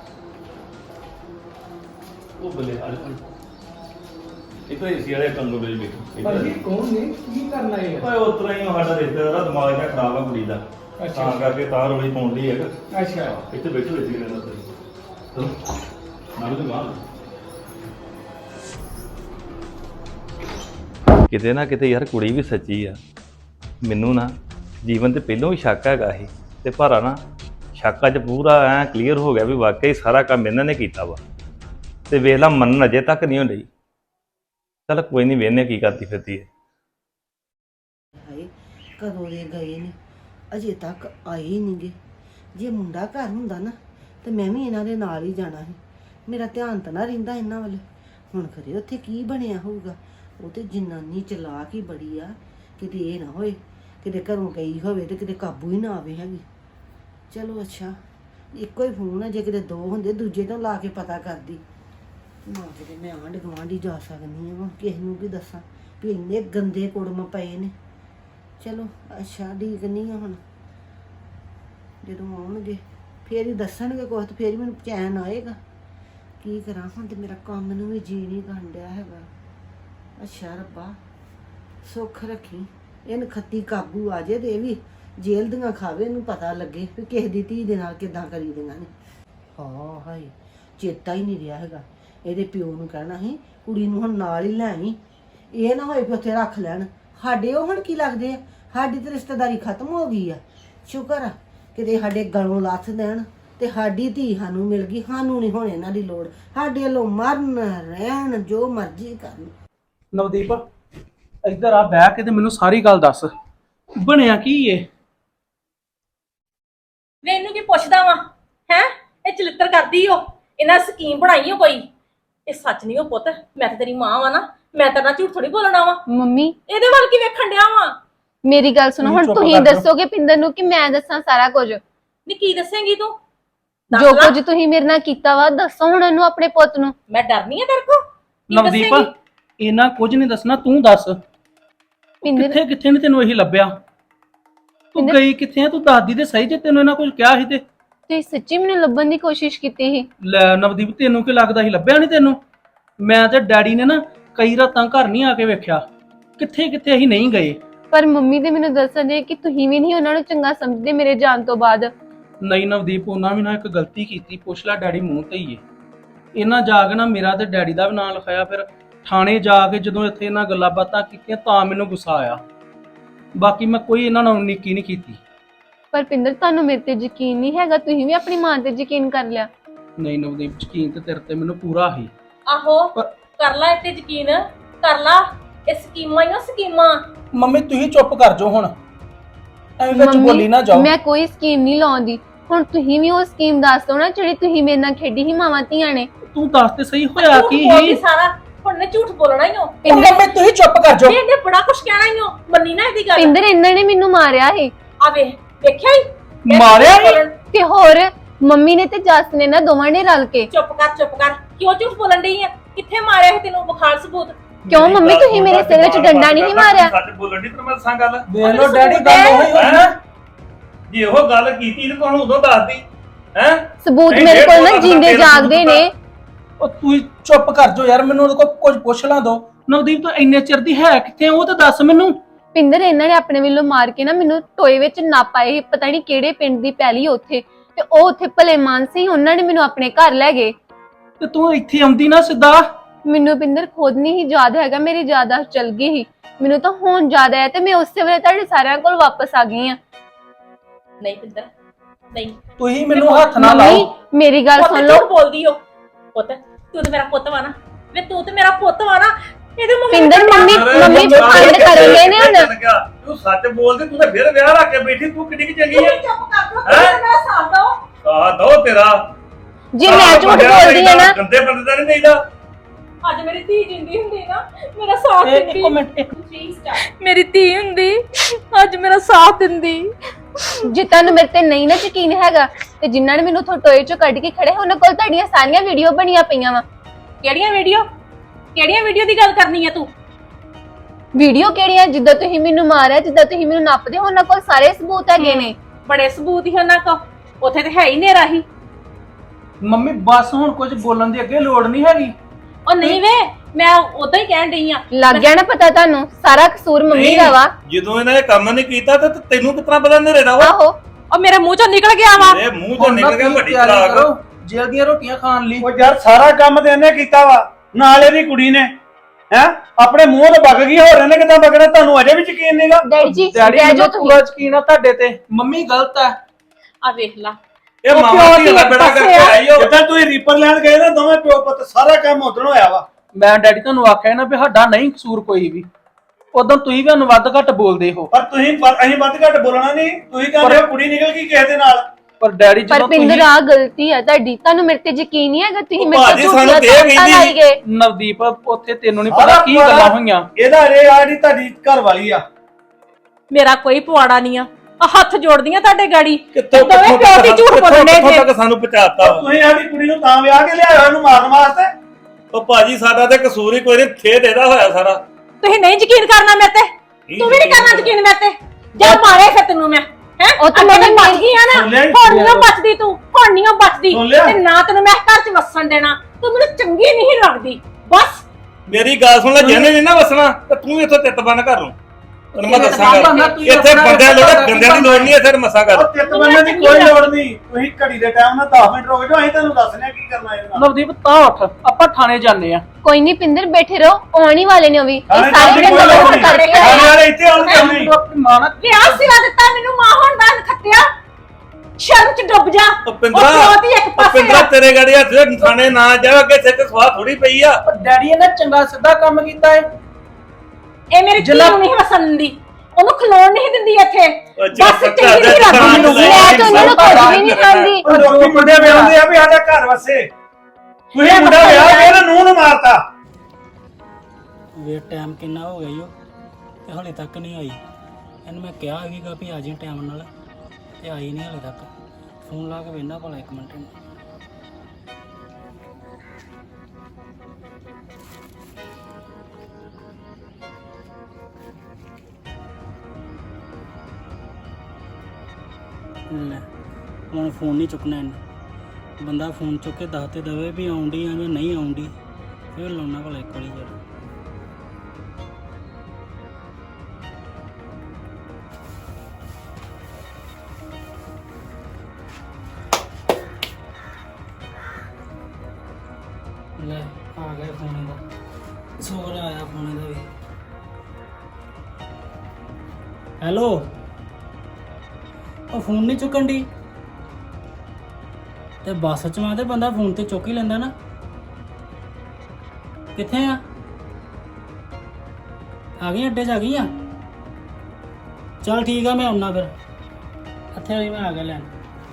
Speaker 4: ਉਹ ਬੱਲੇ ਆ ਜਾ ਇਧਰ ਏਸੀ ਵਾਲੇ ਕੰਗੋ ਦੇ ਵਿੱਚ
Speaker 1: ਭਾਜੀ ਕੌਣ ਨੇ ਕੀ ਕਰਨਾ ਹੈ?
Speaker 4: ਓਏ ਉਤਰਾ ਹੀ ਸਾਡਾ ਰਿਸ਼ਤੇਦਾਰ ਦਾ ਦਿਮਾਗ ਜਿਹਾ ਖਰਾਬ ਆ ਕੁੜੀ ਦਾ
Speaker 1: ਅੱਛਾ।
Speaker 4: ਤਾਂ ਕਰਕੇ ਤਾਂ ਰੋਲੀ ਪਾਉਂਦੀ ਹੈਗਾ
Speaker 1: ਅੱਛਾ
Speaker 4: ਇੱਥੇ ਬੈਠੋ ਏਸੀ ਵਾਲੇ ਨਾਲ ਚਲੋ ਨਾਲ ਤੇ ਮਾਰ ਕਿਤੇ ਨਾ ਕਿਤੇ ਯਾਰ ਕੁੜੀ ਵੀ ਸੱਚੀ ਆ ਮੈਨੂੰ ਨਾ ਜੀਵਨ ਤੇ ਪਹਿਲਾਂ ਵੀ ਸ਼ੱਕ ਹੈਗਾ ਸੀ ਤੇ ਪਰ ਆ ਨਾ ਸ਼ੱਕ ਅੱਜ ਪੂਰਾ ਐ ਕਲੀਅਰ ਹੋ ਗਿਆ ਵੀ ਵਾਕਈ ਸਾਰਾ ਕੰਮ ਇਹਨਾਂ ਨੇ ਕੀਤਾ ਵਾ ਤੇ ਵੇਖ ਲਾ ਮੰਨਣ ਅਜੇ ਤੱਕ ਨਹੀਂ ਹੁੰਦੀ ਚੱਲ ਕੋਈ ਨਹੀਂ ਵੇਖਨੇ ਕੀ ਕਰਦੀ ਫਿਰਦੀ ਹੈ
Speaker 5: ਹਾਏ ਕਦੋਂ ਦੇ ਗਏ ਨੇ ਅਜੇ ਤੱਕ ਆਏ ਹੀ ਨਹੀਂਗੇ ਜੇ ਮੁੰਡਾ ਘਰ ਹੁੰਦਾ ਨਾ ਤੇ ਮੈਂ ਵੀ ਇਹਨਾਂ ਦੇ ਨਾਲ ਹੀ ਜਾਣਾ ਸੀ ਮੇਰਾ ਧਿਆਨ ਤਾਂ ਨਾ ਰਹਿੰਦਾ ਇਹਨਾਂ ਵੱਲ ਹੁਣ ਖਰੇ ਉੱਥੇ ਕੀ ਬਣਿਆ ਹੋਊਗਾ ਉਹ ਤੇ ਜਨਾਨੀ ਚਲਾਕ ਹੀ ਬੜੀ ਆ ਕਿਤੇ ਇਹ ਨਾ ਹੋਏ ਕਿਤੇ ਘਰੋਂ ਗਈ ਹੋਵੇ ਤੇ ਕਿਤੇ ਕਾਬੂ ਹੀ ਨਾ ਆਵੇ ਹੈਗੀ ਚਲੋ ਅੱਛਾ ਇੱਕੋ ਹੀ ਫੋਨ ਆ ਜੇ ਕਿਤੇ ਦੋ ਹੁੰਦੇ ਦੂਜੇ ਤੋਂ ਲਾ ਕੇ ਪਤਾ ਕਰਦੀ ਨਾ ਕਿਤੇ ਮੈਂ ਆਂਢ ਗੁਆਂਢ ਹੀ ਜਾ ਸਕਦੀ ਹਾਂ ਕਿਸੇ ਨੂੰ ਵੀ ਦੱਸਾਂ ਵੀ ਇੰਨੇ ਗੰਦੇ ਕੁੜਮ ਪਏ ਨੇ ਚਲੋ ਅੱਛਾ ਡੀਕਨੀ ਆ ਹੁਣ ਜਦੋਂ ਆਉਣਗੇ ਫੇਰ ਹੀ ਦੱਸਣਗੇ ਕੁਛ ਤੇ ਫੇਰ ਹੀ ਮੈਨੂੰ ਚੈਨ ਆਏਗਾ ਕੀ ਕਰਾਂ ਹੁਣ ਤੇ ਮੇਰਾ ਕੰਮ ਨੂੰ ਵੀ ਜੀ ਨਹੀਂ ਕਰਨ ਡਿਆ ਹੈਗਾ। ਅੱਛਾ ਰੱਬਾ ਸੁੱਖ ਰੱਖੀ, ਇਹਨ ਖੱਤੀ ਕਾਬੂ ਆ ਜੇ ਤੇ ਇਹ ਵੀ ਜੇਲ੍ਹ ਦੀਆਂ ਖਾਵੇ, ਇਹਨੂੰ ਪਤਾ ਲੱਗੇ ਵੀ ਕਿਸੇ ਦੀ ਧੀ ਦੇ ਨਾਲ ਕਿੱਦਾਂ ਕਰੀ ਦੀਆਂ ਨੇ। ਹਾਂ ਹਾਏ ਚੇਤਾ ਹੀ ਨਹੀਂ ਰਿਹਾ ਹੈਗਾ। ਇਹਦੇ ਪਿਓ ਨੂੰ ਕਹਿਣਾ ਸੀ ਕੁੜੀ ਨੂੰ ਹੁਣ ਨਾਲ ਹੀ ਲੈ ਆਈ, ਇਹ ਨਾ ਹੋਏ ਵੀ ਉੱਥੇ ਰੱਖ ਲੈਣ। ਸਾਡੇ ਉਹ ਹੁਣ ਕੀ ਲੱਗਦੇ ਆ, ਸਾਡੀ ਤੇ ਰਿਸ਼ਤੇਦਾਰੀ ਖਤਮ ਹੋ ਗਈ ਆ। ਸ਼ੁਕਰ ਆ ਕਿਤੇ ਸਾਡੇ ਗਲੋਂ ਲੱਥ ਦੇਣ ਤੇ ਸਾਡੀ ਧੀ ਸਾਨੂੰ ਮਿਲ ਗਈ। ਸਾਨੂੰ ਨਹੀਂ ਹੁਣ ਇਹਨਾਂ ਦੀ ਲੋੜ, ਸਾਡੇ ਵੱਲੋਂ ਮਰਨ ਰਹਿਣ ਜੋ ਮਰਜ਼ੀ ਕਰਨ।
Speaker 1: ਨਵਦੀਪ ਇੱਧਰ ਆ ਬਹਿ ਕੇ ਤੇ ਮੈਨੂੰ ਸਾਰੀ ਗੱਲ ਦੱਸ, ਬਣਿਆ ਕੀ ਏ?
Speaker 2: ਵੇ ਇਹਨੂੰ ਕੀ ਪੁੱਛਦਾ ਵਾ ਹੈ? ਇਹ ਚਲਿੱਤਰ ਕਰਦੀ ਓ, ਇਹਨਾਂ ਸਕੀਮ ਬਣਾਈ ਓ ਕੋਈ। ਇਹ ਸੱਚ ਨਹੀਂ ਓ ਪੁੱਤ, ਮੈਂ ਤੇ ਤੇਰੀ ਮਾਂ ਵਾ ਨਾ, ਮੈਂ ਤੇਰੇ ਨਾਲ ਝੂਠ ਥੋੜੀ ਬੋਲਣਾ ਵਾ।
Speaker 6: ਮੰਮੀ
Speaker 2: ਇਹਦੇ ਵੱਲ ਕੀ ਵੇਖਣ ਡਿਆ ਵਾ?
Speaker 6: ਮੇਰੀ ਗੱਲ ਸੁਣੋ, ਹੁਣ ਤੁਸੀਂ ਦੱਸੋਗੇ ਪਿੰਦਰ ਨੂੰ ਕਿ ਮੈਂ ਦੱਸਾਂ ਸਾਰਾ ਕੁਝ?
Speaker 2: ਨੀ ਕੀ ਦੱਸੇਂਗੀ ਤੂੰ? ਦੱਸ
Speaker 6: ਜੋ
Speaker 2: ਨਾ।
Speaker 6: ਕੁਝ ਤੁਸੀਂ ਮੇਰੇ ਨਾਲ ਕੀਤਾ ਵਾ ਦੱਸੋ ਹੁਣ ਇਹਨੂੰ, ਆਪਣੇ ਪੁੱਤ ਨੂੰ।
Speaker 2: ਮੈਂ ਡਰਨੀ ਆ ਤੇਰੇ ਕੋ? ਕੀ
Speaker 1: ਨਵਦੀਪ
Speaker 2: ਦੱਸੇਂਗੀ?
Speaker 1: ਇਹਨਾਂ ਕੁਝ ਨਹੀਂ ਦੱਸਣਾ, ਤੂੰ ਦੱਸ
Speaker 6: ਪਿੰਦਰ
Speaker 1: ਕਿੱਥੇ ਕਿੱਥੇ ਨੇ ਤੈਨੂੰ ਇਹੀ ਲੱਭਿਆ? ਤੂੰ
Speaker 6: ਪਿੰਦਰ-
Speaker 1: ਗਈ ਕਿੱਥੇ ਆ? ਤੂੰ ਦੱਸਦੀ ਤੇ ਸਹੀ ਜੇ ਤੈਨੂੰ ਇਹਨਾਂ ਕੁਝ ਕਿਹਾ ਸੀ ਤੇ।
Speaker 6: ਤੁਸੀਂ ਸੱਚੀ ਮੈਨੂੰ ਲੱਭਣ ਦੀ ਕੋਸ਼ਿਸ਼ ਕੀਤੀ ਸੀ?
Speaker 1: ਲੈ ਨਵਦੀਪ ਤੈਨੂੰ ਕੀ ਲੱਗਦਾ ਸੀ ਲੱਭਿਆ ਨਹੀਂ ਤੈਨੂੰ? ਮੈਂ ਤੇ ਡੈਡੀ ਨੇ ਨਾ ਕਈ ਰਾਤਾਂ ਘਰ ਨਹੀਂ ਆ ਕੇ ਵੇਖਿਆ, ਕਿੱਥੇ ਕਿੱਥੇ ਅਸੀਂ ਨਹੀਂ ਗਏ।
Speaker 6: ਪਰ ਮੰਮੀ ਤੇ ਮੈਨੂੰ ਦੱਸਣ ਦੇ ਕਿ ਤੁਸੀਂ ਵੀ ਨਹੀਂ ਉਹਨਾਂ ਨੂੰ ਚੰਗਾ ਸਮਝਦੇ ਮੇਰੇ ਜਾਣ ਤੋਂ ਬਾਅਦ।
Speaker 1: ਨਹੀਂ ਨਵਦੀਪ ਉਹਨਾਂ ਵੀ ਨਾ ਇੱਕ ਗਲਤੀ ਕੀਤੀ, ਪੁੱਛ ਲੈ ਡੈਡੀ ਮੂੰਹ ਤੇ ਹੀ ਏ। ਇਹਨਾਂ ਜਾ ਕੇ ਨਾ ਮੇਰਾ ਤੇ ਡੈਡੀ ਦਾ ਵੀ ਨਾਂ ਲਿਖਾਇਆ, ਫਿਰ ਥਾਣੇ ਜਾ ਕੇ ਜਦੋਂ ਇੱਥੇ ਇਹਨਾਂ ਗੱਲਾਂ ਬਾਤਾਂ ਕੀਤੀਆਂ ਤਾਂ ਮੈਨੂੰ ਗੁੱਸਾ ਆਇਆ। ਬਾਕੀ ਮੈਂ ਕੋਈ ਇਹਨਾਂ ਨਾਲ ਨਿੱਕੀ ਨਹੀਂ ਕੀਤੀ।
Speaker 6: ਪਰ ਪਿੰਦਰ ਤੁਹਾਨੂੰ ਮੇਰੇ ਤੇ ਯਕੀਨ ਨਹੀਂ ਹੈਗਾ? ਤੁਸੀਂ ਵੀ ਆਪਣੀ ਮਾਂ ਤੇ ਯਕੀਨ ਕਰ ਲਿਆ।
Speaker 1: ਨਹੀਂ ਨਵਦੀਪ ਯਕੀਨ ਤੇ ਤੇਰੇ ਤੇ ਮੈਨੂੰ ਪੂਰਾ ਹੀ।
Speaker 2: ਆਹੋ
Speaker 1: ਪਰ-
Speaker 2: ਕਰ ਲੈ ਤੇ ਯਕੀਨ ਕਰ ਲਾ। ਇਹ ਸਕੀਮਾਂ ਹੀ ਆ ਸਕੀਮਾਂ।
Speaker 1: ਮੰਮੀ ਤੁਸੀਂ ਚੁੱਪ ਕਰ ਜਾਓ ਹੁਣ, ਐਵੇਂ ਵਿੱਚ
Speaker 6: ਮੰਮੀ,
Speaker 1: ਬੋਲੀ ਨਾ ਜਾਓ।
Speaker 6: ਮੈਂ ਕੋਈ ਸਕੀਮ ਨਹੀਂ ਲਾਉਂਦੀ। ਹੁਣ ਤੁਸੀਂ ਵੀ ਉਹ ਸਕੀਮ ਦੱਸ ਦਿਓ ਨਾ ਜਿਹੜੀ ਤੁਸੀਂ ਮੇਰੇ ਨਾਲ ਖੇਡੀ ਸੀ ਮਾਵਾਂ ਧੀਆਂ ਨੇ।
Speaker 1: ਤੂੰ ਦੱਸ ਤੇ ਸਹੀ ਹੋਇਆ
Speaker 2: ਝੂਠ
Speaker 1: ਕੀ
Speaker 2: ਬੋਲਦੀ
Speaker 1: ਹੀ?
Speaker 2: ਸਾਰਾ ਹੁਣ ਨੇ ਝੂਠ ਬੋਲਣਾ ਹੀ ਹੋ।
Speaker 6: ਪਿੰਦਰ
Speaker 1: ਮੰਮੀ ਤੁਸੀਂ ਚੁੱਪ ਕਰ ਜਾਓ।
Speaker 2: ਇਹਨੇ ਬੜਾ ਕੁਛ ਕਹਿਣਾ ਹੀ ਹੋ, ਮੰਨੀ ਨਾ ਇਹਦੀ ਗੱਲ।
Speaker 6: ਪਿੰਦਰ ਇਹਨਾਂ ਨੇ ਮੈਨੂੰ ਮਾਰਿਆ ਸੀ।
Speaker 2: ਆ ਵੇ ਵੇਖਿਆ ਹੀ ਇਹ
Speaker 1: ਮਾਰਿਆ
Speaker 2: ਝੂਠ
Speaker 1: ਹੀ?
Speaker 2: ਬੋਲਣ-
Speaker 6: ਤੇ ਹੋਰ ਮੰਮੀ ਨੇ ਤੇ ਜੱਸ ਨੇ ਨਾ ਦੋਵਾਂ ਨੇ ਰਲ ਕੇ।
Speaker 2: ਚੁੱਪ ਕਰ ਚੁੱਪ ਕਰ, ਕਿਉਂ ਝੂਠ ਬੋਲਣ ਡਈ ਆ? ਕਿੱਥੇ ਮਾਰਿਆ ਸੀ ਤੈਨੂੰ? ਵਿਖਾਲ ਸਬੂਤ।
Speaker 6: ਕਿਉਂ ਮੰਮੀ ਤੁਸੀਂ ਮੇਰੇ ਸਿਰ ਵਿੱਚ ਡੰਡਾ ਨਹੀਂ ਮਾਰਿਆ?
Speaker 3: ਸੱਚ ਬੋਲਣ ਦੀ ਤੇ ਮੈਂ ਦੱਸਾਂ ਗੱਲ।
Speaker 1: ਵੇਖ ਲਓ ਡੈਡੀ ਗੱਲ ਉਹੀ ਹੋਈ ਨਾ।
Speaker 3: ਜੇ ਉਹ ਗੱਲ ਕੀਤੀ ਤੇ ਤੁਹਾਨੂੰ ਉਦੋਂ ਦੱਸਦੀ ਹੈ।
Speaker 6: ਸਬੂਤ
Speaker 3: ਨਹੀਂ,
Speaker 6: ਮੇਰੇ
Speaker 3: ਡੇਢ
Speaker 6: ਕੋਲ
Speaker 3: ਦੋ
Speaker 6: ਨਾ
Speaker 3: ਲੱਖ
Speaker 6: ਜਿੰਦੇ
Speaker 3: ਤੇਰਾ
Speaker 6: ਜਾਗਦੇ
Speaker 3: ਸਬੂਤ
Speaker 6: ਨੇ।
Speaker 1: ਉਹ ਤੂੰ ਚੁੱਪ ਕਰ ਜਾਓ ਯਾਰ, ਮੈਨੂੰ ਉਹਦੇ ਕੋਲ ਕੁਝ ਪੁੱਛ ਲਾਂ ਦੋ। ਨਵਦੀਪ ਤੂੰ ਇੰਨੇ ਚਿਰ ਦੀ ਹੈ ਕਿੱਥੇ ਆ? ਉਹ ਤਾਂ ਦੱਸ ਮੈਨੂੰ।
Speaker 6: ਪਿੰਦਰ ਇਹਨਾਂ ਨੇ ਆਪਣੇ ਵੱਲੋਂ ਮਾਰ ਕੇ ਨਾ ਮੈਨੂੰ ਟੋਏ ਵਿੱਚ ਨੱਪ ਆਏ ਸੀ, ਪਤਾ ਨਹੀਂ ਕਿਹੜੇ ਪਿੰਡ ਦੀ ਪੈਲੀ ਉੱਥੇ, ਤੇ ਉਹ ਉੱਥੇ ਭਲੇ ਮਾਨਸ ਸੀ, ਉਹਨਾਂ ਨੇ ਮੈਨੂੰ ਆਪਣੇ ਘਰ ਲੈ ਗਏ।
Speaker 1: ਤੇ ਤੂੰ ਇੱਥੇ ਆਉਂਦੀ ਨਾ ਸਿੱਧਾ।
Speaker 6: ਮੈਨੂੰ ਪਿੰਦਰ ਖੁਦ ਨਹੀਂ ਹੀ ਯਾਦ ਹੈਗਾ, ਮੇਰੀ ਯਾਦਾਸ਼ਤ ਚਲ ਗਈ ਸੀ। ਮੈਨੂੰ ਤਾਂ ਹੁਣ ਯਾਦ ਆਇਆ ਤੇ ਮੈਂ ਉਸੇ ਵੇਲੇ ਤੁਹਾਡੇ ਸਾਰਿਆਂ ਕੋਲ ਵਾਪਸ ਆ ਗਈ ਆ।
Speaker 2: ਨਹੀਂ ਪਿੰਦਰ ਨਹੀਂ,
Speaker 1: ਤੁਸੀਂ ਮੈਨੂੰ ਹੱਥ ਨਾ
Speaker 6: ਮੰਮੀ
Speaker 1: ਲਾਓ।
Speaker 6: ਮੇਰੀ ਗੱਲ
Speaker 2: ਪੁੱਤ
Speaker 6: ਸੁਣ
Speaker 2: ਝੂਠ
Speaker 6: ਲਓ।
Speaker 2: ਬੋਲਦੀ ਹੋ। ਪੁੱਤ ਤੂੰ ਤੇ ਮੇਰਾ ਪੁੱਤ ਵਾ ਨਾ, ਵੇ ਤੂੰ ਤੇ ਮੇਰਾ ਪੁੱਤ ਵਾ ਨਾ। ਇਹਦੇ ਮੰਮੀ ਨੇ
Speaker 6: ਪਿੰਦਰ
Speaker 2: ਕਿਹਾ-
Speaker 6: ਮੰਮੀ
Speaker 3: ਅਰੇ
Speaker 6: ਮੰਮੀ
Speaker 3: ਤੂੰ
Speaker 6: ਪਖੰਡ ਕਰਨ ਦੇ ਨੇ ਹੁਣ।
Speaker 3: ਚੱਲ ਗਿਆ। ਤੂੰ ਸੱਚ ਬੋਲਦੀ, ਤੂੰ ਤਾਂ ਫਿਰ ਵਿਆਹ ਰੱਖ ਕੇ ਬੈਠੀ। ਤੂੰ ਕਿੰਨੀ ਕਿ ਚੰਗੀ
Speaker 2: ਤੁਸੀਂ
Speaker 3: ਹੈ।
Speaker 2: ਚੁੱਪ ਕਰ ਲਓ,
Speaker 3: ਹੈਂ?
Speaker 2: ਤੁਸੀਂ ਮੇਰਾ ਸਾਥ ਦਿਓ।
Speaker 3: ਆ ਦੋ ਤੇਰਾ
Speaker 6: ਜੇ ਮੈਂ ਝੂਠ ਬੋਲਦੀ ਆ ਨਾ,
Speaker 3: ਗੰਦੇ ਬੰਦੇ ਦਾ ਨਹੀਂ ਦੇਈਦਾ।
Speaker 2: ਅੱਜ ਮੇਰੀ ਧੀ ਜਿੰਦੀ ਹੁੰਦੀ ਨਾ, ਮੇਰਾ ਸਾਥ
Speaker 1: ਇਹ
Speaker 2: ਦਿੰਦੀ।
Speaker 1: ਇੱਕ ਮਿੰਟ ਇੱਕ
Speaker 2: ਮੇਰੀ ਧੀ ਹੁੰਦੀ ਅੱਜ ਮੇਰਾ ਸਾਥ ਦਿੰਦੀ।
Speaker 6: ਜੇ ਤੁਹਾਨੂੰ ਮੇਰੇ ਤੇ ਨਹੀਂ ਨਾ ਯਕੀਨ ਹੈਗਾ ਤੇ ਜਿਨ੍ਹਾਂ ਨੇ ਮੈਨੂੰ ਉੱਥੋਂ ਟੋਏ ਚੋਂ ਕੱਢ ਕੇ ਖੜੇ, ਉਹਨਾਂ ਕੋਲ ਤੁਹਾਡੀਆਂ ਸਾਰੀਆਂ ਵੀਡੀਓ ਬਣੀਆਂ ਪਈਆਂ ਵਾ।
Speaker 2: ਕਿਹੜੀਆਂ ਵੀਡੀਓ? ਕਿਹੜੀਆਂ ਵੀਡੀਓ ਦੀ ਗੱਲ ਕਰਨੀ ਆ ਤੂੰ?
Speaker 6: ਵੀਡੀਓ ਕਿਹੜੀਆਂ? ਜਿੱਦਾਂ ਤੁਸੀਂ ਮੈਨੂੰ ਮਾਰਿਆ, ਜਿੱਦਾਂ ਤੁਸੀਂ ਮੈਨੂੰ ਨੱਪਦੇ ਹੋ, ਉਹਨਾਂ ਕੋਲ ਸਾਰੇ ਸਬੂਤ ਹੈਗੇ ਨੇ।
Speaker 2: ਬੜੇ ਸਬੂਤ ਹੀ ਉਹਨਾਂ ਕੋ, ਉੱਥੇ ਤੇ ਹੈ ਹੀ ਨੇਰਾ ਹੀ।
Speaker 1: ਮੰਮੀ ਬਸ ਹੁਣ ਕੁਝ ਬੋਲਣ ਦੀ ਅੱਗੇ ਲੋੜ ਨਹੀਂ ਹੈਗੀ।
Speaker 2: ਉਹ ਨਹੀਂ ਵੇ, ਮੈਂ ਉਦਾਂ ਹੀ ਕਹਿਣ ਡਈ ਆ।
Speaker 6: ਲੱਗ ਗਿਆ ਨਾ ਪਤਾ ਤੁਹਾਨੂੰ, ਸਾਰਾ ਕਸੂਰ ਮੰਮੀ ਦਾ ਵਾ।
Speaker 3: ਜਦੋਂ ਇਹਨਾਂ ਨੇ ਕੰਮ ਨਹੀਂ ਕੀਤਾ ਤੇ ਤੈਨੂੰ ਕਿਤਨਾ ਪਤਾ ਨੇਰੇ ਦਾ ਵਾ।
Speaker 6: ਆਹੋ
Speaker 2: ਉਹ ਮੇਰੇ ਮੂੰਹ ਚੋਂ ਨਿਕਲ ਗਿਆ ਵਾ।
Speaker 3: ਇਹ ਮੂੰਹ ਤੋਂ
Speaker 1: ਹੁਣ ਨਾ
Speaker 3: ਨਿਕਲ ਗਿਆ
Speaker 1: ਤੁਸੀਂ
Speaker 3: ਵੱਡੀ
Speaker 1: ਤਿਆਰੀ
Speaker 3: ਚਲਾਕ।
Speaker 1: ਕਰੋ ਜੇਲ੍ਹ ਦੀਆਂ ਰੋਟੀਆਂ ਖਾਣ ਲਈ।
Speaker 7: ਉਹ ਯਾਰ ਸਾਰਾ ਕੰਮ ਤੇ ਇਹਨੇ ਕੀਤਾ ਵਾ, ਨਾਲ ਇਹਦੀ ਕੁੜੀ ਨੇ ਹੈ ਆਪਣੇ ਮੂੰਹ ਤੋਂ ਵਗ ਗਈ। ਹੋਰ ਇਹਨੇ ਕਿਦਾਂ ਵਗਣਾ? ਤੁਹਾਨੂੰ ਅਜੇ ਵੀ ਯਕੀਨ ਨਹੀਂਗਾ?
Speaker 6: ਡੈਡੀ ਜੀ
Speaker 1: ਡੈਡੀ
Speaker 6: ਬਹਿ
Speaker 1: ਨੂੰ
Speaker 6: ਜਾਓ
Speaker 1: ਪੂਰਾ
Speaker 6: ਤੁਸੀਂ।
Speaker 1: ਯਕੀਨ ਆ ਤੁਹਾਡੇ ਤੇ। ਮੰਮੀ ਗਲਤ ਹੈ।
Speaker 2: ਆ ਵੇਖ ਲਾ,
Speaker 3: ਇਹ
Speaker 2: ਉਹ
Speaker 3: ਮਾਮਾ
Speaker 2: ਪਿਓ
Speaker 3: ਦੀ
Speaker 2: ਦੀ
Speaker 3: ਬੜਾ
Speaker 2: ਪਾਸੇ
Speaker 3: ਕਰਕੇ
Speaker 2: ਆ।
Speaker 3: ਆਈ ਹੋ।
Speaker 7: ਜਿੱਦਾਂ ਤੁਸੀਂ ਰੀਪਰ ਲੈਣ ਗਏ ਨਾ ਦੋਵੇਂ ਪਿਓ ਪੁੱਤ, ਸਾਰਾ ਕੰਮ ਉਦੋਂ ਹੋਇਆ ਵਾ।
Speaker 1: ਮੈਂ ਡੈਡੀ ਤੁਹਾਨੂੰ ਆਖਿਆ ਨਾ ਵੀ ਸਾਡਾ ਨਹੀਂ ਕਸੂਰ ਕੋਈ ਵੀ। ਉਦੋਂ ਤੁਸੀਂ ਵੀ ਸਾਨੂੰ ਵੱਧ ਘੱਟ ਬੋਲਦੇ ਹੋ।
Speaker 7: ਪਰ ਤੁਸੀਂ ਵ- ਅਸੀਂ ਵੱਧ ਘੱਟ ਬੋਲਣਾ ਨਹੀਂ। ਤੁਸੀਂ ਕਹਿੰਦੇ ਹੋ ਕੁੜੀ ਨਿਕਲ ਗਈ ਕਿਸੇ ਦੇ ਨਾਲ।
Speaker 1: ਪਰ ਡੈਡੀ
Speaker 6: ਪਰ
Speaker 1: ਜਦੋਂ
Speaker 6: ਪਿੰਦਰ
Speaker 1: ਤੁਸੀਂ
Speaker 6: ਆ ਗਲਤੀ ਹੈ ਤੁਹਾਡੀ, ਤੁਹਾਨੂੰ ਮੇਰੇ ਤੇ ਯਕੀਨ ਨਹੀਂ ਹੈਗਾ। ਤੁਸੀਂ
Speaker 3: ਉਹ
Speaker 6: ਮੇਰੇ
Speaker 3: ਭਾਜੀ
Speaker 6: ਤੇ
Speaker 3: ਸਾਨੂੰ
Speaker 6: ਝੂਠੀਆਂ
Speaker 3: ਤੇ ਇਹ
Speaker 6: ਸਾਂਠਾਂ
Speaker 3: ਕਹਿੰਦੀ
Speaker 6: ਲਾਈ ਗਏ।
Speaker 1: ਨਵਦੀਪ ਉੱਥੇ ਤੈਨੂੰ ਨਹੀਂ
Speaker 7: ਸਾਰਾ
Speaker 1: ਪਤਾ ਕੀ
Speaker 7: ਪਤਾ-
Speaker 1: ਗੱਲਾਂ ਹੋਈਆਂ।
Speaker 7: ਇਹਦਾ ਰੇ ਆ ਜਿਹੜੀ ਤੁਹਾਡੀ ਘਰ ਵਾਲੀ ਆ।
Speaker 2: ਮੇਰਾ ਕੋਈ ਪਵਾੜਾ ਨਹੀਂ ਆ। ਆ ਹੱਥ ਜੋੜਦੀਆਂ ਤੁਹਾਡੇ ਗਾੜੀ।
Speaker 3: ਕਿੱਥੋਂ
Speaker 2: ਦੋਵੇਂ ਪਿਓ ਦੀ ਝੂਠ ਬੋਲਣੇ
Speaker 3: ਕਿੱਥੋਂ
Speaker 2: ਜੇ।
Speaker 3: ਤੱਕ ਸਾਨੂੰ ਪਹੁੰਚਾਤਾ ਵਾ।
Speaker 7: ਤੁਸੀਂ ਸਾਡੀ ਕੁੜੀ ਨੂੰ ਤਾਂ ਵਿਆਹ ਕੇ ਲਿਆਇਆ ਇਹਨੂੰ ਮਾਰਨ ਵਾਸਤੇ।
Speaker 3: ਉਹ ਭਾਜੀ ਸਾਡਾ ਤੇ ਕਸੂਰ ਹੀ ਕੋਈ ਨਹੀਂ, ਖੇਤ ਇਹਦਾ ਹੋਇਆ ਸਾਰਾ।
Speaker 2: ਤੁਸੀਂ ਨਹੀਂ ਯਕੀਨ ਕਰਨਾ ਮੇਰੇ ਤੇ। ਤੂੰ ਵੀ ਨਹੀਂ ਕਰਨਾ ਯਕੀਨ ਮੇਰੇ ਤੇ। ਜਾ ਮਾਰੇ ਫਿਰ ਤੈਨੂੰ ਮੈਂ। ਹੈ
Speaker 6: ਉਹ ਤਾਂ
Speaker 2: ਮੈਂ
Speaker 6: ਮੈਂ
Speaker 2: ਬਚ ਗਈ ਆ ਨਾ
Speaker 3: ਸੁਣ ਲਿਆ ਜੀ?
Speaker 2: ਹੁਣ ਨਹੀਂ ਬਚਦੀ ਤੂੰ ਹੁਣ ਨਹੀਂ ਬਚਦੀ
Speaker 3: ਸੁਣ ਲਿਆ?
Speaker 2: ਤੇ ਨਾ ਤੈਨੂੰ ਮੈਂ ਘਰ 'ਚ ਵਸਣ ਦੇਣਾ ਤੂੰ ਮੈਨੂੰ ਚੰਗੀ ਨਹੀਂ ਲੱਗਦੀ ਬਸ
Speaker 3: ਮੇਰੀ ਗੱਲ ਸੁਣ ਲੈ ਜਿਹਨੇ ਨਹੀਂ ਨਾ ਵਸਣਾ ਤੇ ਤੂੰ ਵੀ ਇੱਥੋਂ ਤਿੱਤ ਬੰਨ ਕਰ ਲੂੰ ਤੈਨੂੰ ਮੈਂ ਦੱਸਾਂਗਾ ਇੱਥੇ ਬੰਦਿਆਂ ਲੋੜ ਗੰਦਿਆਂ ਦੀ ਲੋੜ ਨਹੀਂ ਇੱਥੇ ਮਸਾ ਕਰ
Speaker 7: ਉਹ ਤਿੱਤ ਬੰਨਣ ਦੀ ਕੋਈ ਲੋੜ ਨਹੀਂ ਤੁਸੀਂ ਘੜੀ ਦੇ ਟਾਈਮ ਨਾਲ ਦਸ ਮਿੰਟ ਰੁਕ ਜਾਓ ਅਸੀਂ ਤੁਹਾਨੂੰ ਦੱਸਨੇ ਆ ਕੀ ਕਰਨਾ ਇਹਦੇ ਨਾਲ
Speaker 1: ਨਵਦੀਪ ਤਾਂ ਉੱਠ ਆਪਾਂ ਥਾਣੇ ਜਾਂਦੇ ਆ
Speaker 6: ਕੋਈ ਨਹੀਂ ਪਿੰਦਰ ਬੈਠੇ ਰਹੋ ਆਉਣ ਹੀ ਵਾਲੇ ਨੇ ਉਹ ਵੀ ਇਹ
Speaker 7: ਥਾਣੇ
Speaker 6: ਸਾਰੇ
Speaker 7: ਜਾਂਦੀ ਕੋਈ
Speaker 6: ਗੱਲਾਂ
Speaker 7: ਲੋੜ
Speaker 6: ਹੁਣ
Speaker 7: ਨਹੀਂ
Speaker 6: ਕਰਕੇ ਆਏ
Speaker 7: ਥਾਣੇ
Speaker 6: ਆ।
Speaker 7: ਵਾਲੇ ਇੱਥੇ ਆਉਣ ਕਰਨੀ
Speaker 1: ਤੂੰ ਆਪਣੀ ਮਾਂ ਨਾਲ
Speaker 2: ਵਿਆਹ ਸਿਵਾ ਦਿੱਤਾ ਮੈਨੂੰ ਮਾਂ ਹੁਣ ਦਾ ਖੱਤਿਆ ਸ਼ਰਮ 'ਚ ਡੁੱਬ ਜਾ ਉਹ
Speaker 3: ਪਿੰਦਰਾ
Speaker 2: ਪਿਓ ਦੀ ਇੱਕ ਪਾਸੇ
Speaker 3: ਪਿੰਦਰਾ
Speaker 2: ਆ।
Speaker 3: ਤੇਰੇ ਗਾੜੀ ਹੱਥ ਦੇ ਥਾਣੇ ਨਾ ਜਾ ਅੱਗੇ ਸਿੱਧ ਸਵਾਹ ਥੋੜੀ ਪਈ ਆ
Speaker 1: ਡੈਡੀ ਨੇ ਚੰਗਾ ਸਿੱਧਾ ਕੰਮ ਕੀਤਾ ਏ
Speaker 2: ਇਹ ਮੇਰੀ ਧੀ
Speaker 1: ਜਿੰਨਾ-
Speaker 2: ਨੂੰ ਨਹੀਂ ਵਸਣ ਦਿੰਦੀ ਉਹਨੂੰ ਖਲੋਣ ਨਹੀਂ ਦਿੰਦੀ ਇੱਥੇ
Speaker 3: ਉਹ
Speaker 2: ਬਸ
Speaker 3: ਚੱਪ
Speaker 2: ਚੰਗੀ
Speaker 3: ਕਰ
Speaker 2: ਨਹੀਂ
Speaker 3: ਦੇ,
Speaker 2: ਲੱਗਦੀ
Speaker 3: ਖਾਣ
Speaker 2: ਮੈਨੂੰ
Speaker 3: ਲੈ।
Speaker 6: ਮੈਂ ਤਾਂ ਉਹਨਾਂ ਨੂੰ ਕੁਝ ਵੀ ਨਹੀਂ ਖਾਂਦੀ
Speaker 7: ਉਹ ਲੋਕੀ ਮੁੰਡੇ ਵਿਆਹੁੰਦੇ ਆ ਵੀ ਸਾਡਾ ਘਰ ਵਸੇ ਤੁਸੀਂ ਮੁੰਡਾ ਵਿਆਹ ਕੇ ਇਹਨੂੰ ਨੂੰਹ ਨੂੰ ਮਾਰਤਾ
Speaker 8: ਵੇ ਟਾਈਮ ਕਿੰਨਾ ਹੋ ਗਿਆ ਈ ਉਹ ਤੇ ਹਲੇ ਤੱਕ ਨਹੀਂ ਆਈ ਇਹਨੂੰ ਮੈਂ ਕਿਹਾ ਸੀਗਾ ਵੀ ਆ ਜੀ ਟਾਈਮ ਨਾਲ ਤੇ ਆਈ ਨਹੀਂ ਹਲੇ ਤੱਕ ਫੋਨ ਲਾ ਕੇ ਵੇਖਣਾ ਭਲਾ ਇੱਕ ਮਿੰਟ ਨੂੰ ਲੈ ਹੁਣ ਫੋਨ ਨਹੀਂ ਚੁੱਕਣਾ ਇਹਨੇ ਬੰਦਾ ਫੋਨ ਚੁੱਕ ਕੇ ਦੱਸ ਤੇ ਦਵੇ ਵੀ ਆਉਂਦੀ ਆ ਜਾਂ ਨਹੀਂ ਆਉਂਦੀ ਫਿਰ ਲਾਉਣਾ ਭਲਾ ਇੱਕ ਵਾਰੀ ਜਰਾ ਲੈ ਆ ਗਿਆ ਫੋਨ ਇਹਦਾ ਸੋਰ ਆਇਆ ਫੋਨ ਇਹਦਾ ਵੀ ਹੈਲੋ ਉਹ ਫੋਨ ਨਹੀਂ ਚੁੱਕਣ ਦੀ ਤੇ ਬੱਸ ਚ ਮਾਂ ਤੇ ਬੰਦਾ ਫੋਨ ਤੇ ਚੁੱਕ ਹੀ ਲੈਂਦਾ ਨਾ ਕਿੱਥੇ ਆ ਆ ਗਈ ਅੱਡੇ 'ਚ ਆ ਗਈ ਆ ਚਲ ਠੀਕ ਆ ਮੈਂ ਆਉਣਾ ਫਿਰ ਇੱਥੇ ਆ ਮੈਂ ਆ ਗਿਆ ਲੈਣ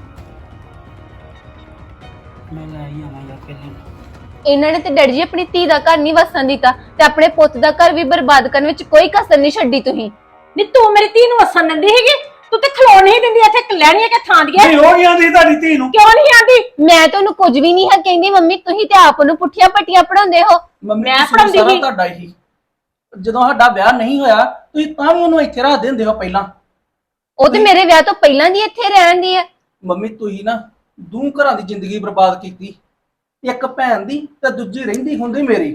Speaker 8: ਮੈਂ ਲੈ ਹੀ ਆਵਾਂ ਯਾਰ ਪਹਿਲੇ
Speaker 6: ਇਹਨਾਂ ਨੇ ਤੇ ਡੈਡੀ ਜੀ ਆਪਣੀ ਧੀ ਦਾ ਘਰ ਨਹੀਂ ਵਸਣ ਦਿੱਤਾ ਤੇ ਆਪਣੇ ਪੁੱਤ ਦਾ ਘਰ ਵੀ ਬਰਬਾਦ ਕਰਨ ਵਿੱਚ ਕੋਈ ਕਸਰ ਨਹੀਂ ਛੱਡੀ ਤੁਸੀਂ
Speaker 2: ਨੀ ਤੂੰ ਮੇਰੀ ਧੀ ਨੂੰ ਵਸਣ ਦਿੰਦੀ ਹੈਗੀ ਤੂੰ ਤੇ ਖਲੋਣ ਨਹੀਂ ਦਿੰਦੀ ਇੱਥੇ ਲੈਣੀ ਹੈ ਕਿ ਥਾਂ ਦੀ
Speaker 7: ਨਹੀਂ ਹੋ ਗਿਆ ਦੀ ਤੁਹਾਡੀ ਧੀ ਨੂੰ
Speaker 2: ਕਿਉਂ ਨਹੀਂ ਆਂਦੀ
Speaker 6: ਮੈਂ ਤਾਂ ਉਹਨੂੰ ਕੁਝ ਵੀ ਨਹੀਂ ਹੈ ਕਹਿੰਦੀ ਮੰਮੀ ਤੁਸੀਂ ਤੇ ਆਪ ਨੂੰ ਪੁੱਠੀਆਂ ਪੱਟੀਆਂ ਪੜਾਉਂਦੇ ਹੋ
Speaker 1: ਮੰਮੀ
Speaker 2: ਮੈਂ
Speaker 1: ਕਸੂਰ
Speaker 2: ਪੜ੍ਹਾਉਂਦੀ
Speaker 1: ਸਾਰਾ
Speaker 2: ਸੀ।
Speaker 1: ਤੁਹਾਡਾ ਹੀ ਜਦੋਂ ਸਾਡਾ ਵਿਆਹ ਨਹੀਂ ਹੋਇਆ ਤੁਸੀਂ ਤਾਂ ਵੀ ਉਹਨੂੰ ਇੱਥੇ ਰੱਖ ਦਿੰਦੇ ਹੋ ਪਹਿਲਾਂ
Speaker 6: ਉਹ ਤੇ ਮੇਰੇ ਵਿਆਹ ਤੋਂ ਪਹਿਲਾਂ ਦੀ ਇੱਥੇ ਰਹਿਣ ਦੀ ਹੈ
Speaker 1: ਮੰਮੀ ਤੁਸੀਂ ਨਾ ਦੋ ਘਰਾਂ ਦੀ ਜ਼ਿੰਦਗੀ ਬਰਬਾਦ ਕੀਤੀ ਇੱਕ ਭੈਣ ਦੀ ਤੇ ਦੂਜੀ ਰਹਿੰਦੀ ਹੁੰਦੀ ਮੇਰੀ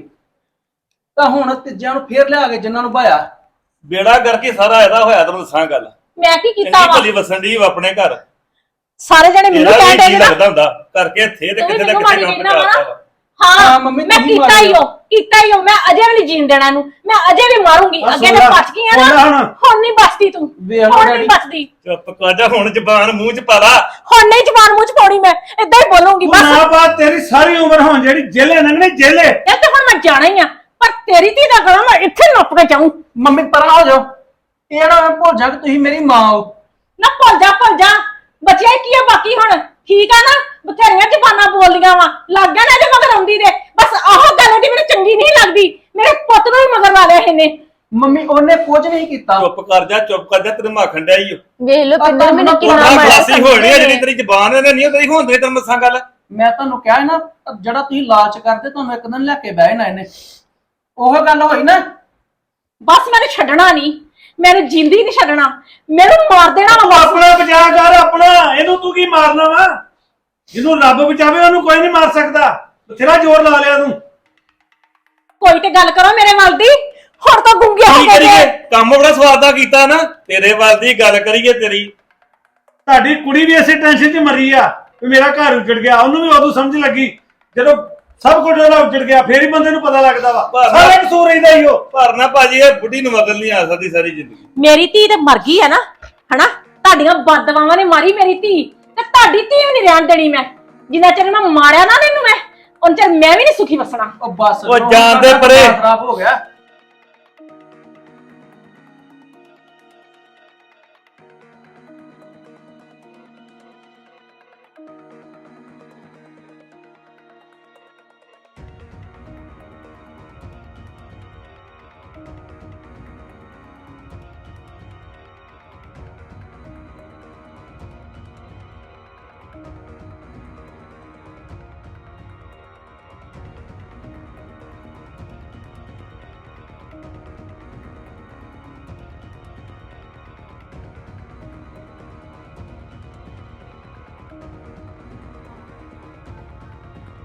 Speaker 1: ਤਾਂ ਹੁਣ ਤੀਜਿਆਂ ਨੂੰ ਫੇਰ ਲਿਆ ਕੇ ਜਿਨ੍ਹਾਂ ਨੂੰ ਭਾਇਆ
Speaker 3: ਬੇੜਾ ਕਰਕੇ ਸਾਰਾ ਇਹਦਾ ਹੋਇਆ ਤੈਨੂੰ ਦੱਸਾਂ ਗੱਲ
Speaker 2: ਮੈਂ ਕੀ ਕੀਤਾ
Speaker 3: ਇੰਨੀ
Speaker 2: ਵਾ
Speaker 3: ਭਲੀ ਵਸਣ ਦੀ ਆਪਣੇ ਘਰ
Speaker 2: ਸਾਰੇ ਜਣੇ ਮੈਨੂੰ
Speaker 3: ਇਹਦਾ
Speaker 2: ਕਹਿ
Speaker 3: ਵੀ
Speaker 2: ਦੇ
Speaker 3: ਜੀ
Speaker 2: ਨਾ
Speaker 3: ਲੱਗਦਾ ਹੁੰਦਾ ਕਰਕੇ ਥੇ ਤੇ
Speaker 2: ਤੂੰ ਵੀ
Speaker 3: ਕਿਤੇ ਨਾ
Speaker 2: ਮੈਨੂੰ
Speaker 3: ਕਿਤੇ
Speaker 2: ਮਾੜੀ
Speaker 3: ਕੰਮ
Speaker 2: ਕਹਿੰਦਾ ਵਾ
Speaker 3: ਕਰਦਾ ਵਾ
Speaker 2: ਹਾਂ
Speaker 1: ਹਾਂ, ਮੰਮੀ
Speaker 2: ਮੈਂ
Speaker 1: ਤੁਸੀਂ
Speaker 2: ਕੀਤਾ ਹੀ
Speaker 1: ਮਾਰੀ
Speaker 2: ਹੋ ਕੀਤਾ ਹੀ ਹੋ ਮੈਂ ਅਜੇ ਵੀ ਨਹੀਂ ਜੀਣ ਦੇਣਾ ਨੂੰ ਮੈਂ ਅਜੇ ਵੀ ਮਾਰੂੰਗੀ
Speaker 7: ਬਸ
Speaker 2: ਅੱਗੇ
Speaker 7: ਹੋ
Speaker 2: ਤੇ
Speaker 7: ਗਿਆ,
Speaker 2: ਬਚ ਗਈ ਆ
Speaker 7: ਹੋ ਗਿਆ
Speaker 2: ਨਾ
Speaker 7: ਹੁਣ।
Speaker 2: ਹੁਣ ਨਹੀਂ ਬਚਦੀ ਤੂੰ
Speaker 1: ਵੇਖ ਲਓ
Speaker 2: ਹੁਣ
Speaker 1: ਡੈਡੀ।
Speaker 2: ਨਹੀਂ ਬਚਦੀ
Speaker 3: ਚੁੱਪ ਕਰ ਜਾ ਹੁਣ ਜ਼ਬਾਨ ਮੂੰਹ ਚ ਪਾ ਲਾ
Speaker 2: ਹੁਣ ਨਹੀਂ ਜ਼ਬਾਨ ਮੂੰਹ ਚ ਪਾਉਣੀ ਮੈਂ ਇਦਾਂ ਹੀ ਬੋਲੂੰਗੀ
Speaker 7: ਤੂੰ
Speaker 2: ਬਸ
Speaker 7: ਨਾ ਬਾਤ ਤੇਰੀ ਸਾਰੀ ਉਮਰ ਹੁਣ ਜਿਹੜੀ ਜੇਲੇ ਲੰਘਣੇ ਜੇਲੇ
Speaker 2: ਇਹ ਤੇ ਹੁਣ ਮੈਂ ਜਾਣਾ ਹੀ ਆ ਪਰ ਤੇਰੀ ਧੀ ਦਾ ਗਲਾ ਮੈਂ ਇੱਥੇ ਨੱਪ ਕੇ ਜਾਊਂ
Speaker 1: ਮੰਮੀ ਪਰਾਂ ਹੋ ਜਾਓ ਇਹ ਨਾ ਮੈਂ ਭੁੱਲ ਜਾ ਕਿ ਤੁਸੀਂ ਮੇਰੀ ਮਾਂ ਹੋ
Speaker 2: ਨਾ ਭੁੱਲ ਜਾ ਭੁੱਲ ਜਾ ਬਚਿਆ ਹੀ ਕੀ ਆ ਬਾਕੀ ਹੁਣ ਠੀਕ ਆ ਨਾ ਬਥੇਰੀਆਂ ਜ਼ਬਾਨਾਂ ਬੋਲਦੀਆਂ ਵਾ ਲੱਗ ਗਿਆ ਨਾ ਜੇ ਮਗਰ ਆਉਂਦੀ ਦੇ ਬਸ ਆਹ ਗੱਲ ਦੀ ਮੈਨੂੰ ਚੰਗੀ ਨਹੀਂ ਲੱਗਦੀ ਮੇਰੇ ਪੁੱਤ ਨੂੰ ਵੀ ਮਗਰ ਲਾ ਲਿਆ ਇਹਨੇ
Speaker 1: ਮੰਮੀ ਉਹਨੇ ਕੁਝ ਨਹੀਂ ਕੀਤਾ
Speaker 3: ਚੁੱਪ ਕਰ ਜਾ ਚੁੱਪ ਕਰ ਜਾ ਤੈਨੂੰ ਮਾਖਣ ਡਿਆ ਈ ਓ।
Speaker 6: ਵੇਖ ਲਓ ਪਿੰਦਰ ਮੈਨੂੰ ਕਿੰਨਾ
Speaker 3: ਆਹ
Speaker 6: ਮਾਰਿਆ
Speaker 3: ਖਲਾਸੀ ਹੋਣੀ ਆ ਜਿਹੜੀ ਤੇਰੀ ਜ਼ਬਾਨ ਇਹਨੇ ਨਹੀਂ ਤੇਰੀ ਹੁੰਦੀ ਤੈਨੂੰ ਮਸਾਂ ਗੱਲ
Speaker 1: ਮੈਂ ਤੁਹਾਨੂੰ ਕਿਹਾ ਸੀ ਨਾ ਜਿਹੜਾ ਤੁਸੀਂ ਲਾਲਚ ਕਰਦੇ ਤੁਹਾਨੂੰ ਇੱਕ ਦਿਨ ਲੈ ਕੇ ਬਹਿ ਨਾ ਇਹਨੇ ਉਹ ਗੱਲ ਹੋਈ ਨਾ
Speaker 2: ਬਸ ਮੈਨੂੰ ਛੱਡਣਾ ਨਹੀਂ ਮੈਨੂੰ ਜਿੰਦੀ ਨਹੀਂ ਛੱਡਣਾ ਮੈਨੂੰ ਮਾਰ ਦੇਣਾ ਵਾ
Speaker 7: ਤੂੰ
Speaker 2: ਬਸ
Speaker 7: ਆਪਣਾ ਬਚਾ ਕਰ ਆਪਣਾ ਇਹਨੂੰ ਤੂੰ ਕੀ ਮਾਰਨਾ ਵਾ ਜਿਹਨੂੰ ਰੱਬ ਬਚਾਵੇ ਉਹਨੂੰ ਕੋਈ ਨਹੀਂ ਮਾਰ ਸਕਦਾ ਬਥੇਰਾ ਜ਼ੋਰ ਲਾ ਲਿਆ ਤੂੰ
Speaker 2: ਕੋਈ ਤੇ ਗੱਲ ਕਰੋ ਮੇਰੇ ਵੱਲ ਦੀ ਹੁਣ ਤਾਂ ਗੁੰਗੇ ਹੋ
Speaker 3: ਕੀ
Speaker 2: ਗਏ
Speaker 3: ਕਰੀਏ
Speaker 2: ਜੇ।
Speaker 3: ਕੰਮ ਬੜਾ ਸਵਾਦ ਦਾ ਕੀਤਾ ਨਾ ਤੇਰੇ ਵੱਲ ਦੀ ਗੱਲ ਕਰੀਏ ਤੇਰੀ
Speaker 7: ਤੁਹਾਡੀ ਕੁੜੀ ਵੀ ਇਸੇ ਟੈਨਸ਼ਨ 'ਚ ਮਰੀ ਆ ਵੀ ਮੇਰਾ ਘਰ ਉਜੜ ਗਿਆ ਉਹਨੂੰ ਵੀ ਉਦੋਂ ਸਮਝ ਲੱਗੀ ਜਦੋਂ ਸਭ ਕੁਝ ਉਹਦਾ ਉਜੜ ਗਿਆ ਫੇਰ ਹੀ ਬੰਦੇ ਨੂੰ ਪਤਾ ਲੱਗਦਾ ਵਾ
Speaker 3: ਪਰ-
Speaker 7: ਸਾਰਾ ਕਸੂਰ ਇਹਦਾ ਹੀ ਉਹ
Speaker 3: ਪਰ ਨਾ ਭਾਜੀ ਇਹ ਬੁੱਢੀ ਨੂੰ ਮਗਰ ਨਹੀਂ ਆ ਸਕਦੀ ਸਾਰੀ ਜ਼ਿੰਦਗੀ
Speaker 2: ਮੇਰੀ ਧੀ ਤੇ ਮਰ ਗਈ ਹੈ ਨਾ ਹਨਾ ਤੁਹਾਡੀਆਂ ਬਦਦੁਆਵਾਂ ਨੇ ਮਾਰੀ ਮੇਰੀ ਧੀ ਤੇ ਤੁਹਾਡੀ ਧੀ ਵੀ ਨਹੀਂ ਰਹਿਣ ਦੇਣੀ ਮੈਂ ਜਿੰਨਾ ਚਿਰ ਮੈਂ ਮਾਰਿਆ ਨਾ ਇਹਨੂੰ ਮੈਂ ਉਨ ਚਿਰ ਮੈਂ ਵੀ ਨਹੀਂ ਸੁਖੀ ਵਸਣਾ
Speaker 1: ਉਹ ਬਸ
Speaker 3: ਉਹ
Speaker 1: ਕਰੋ,
Speaker 3: ਜਾਣ ਦੇ
Speaker 1: ਸਾਡਾ
Speaker 3: ਪਰੇ।
Speaker 1: ਦਿਮਾਗ ਖਰਾਬ ਹੋ ਗਿਆ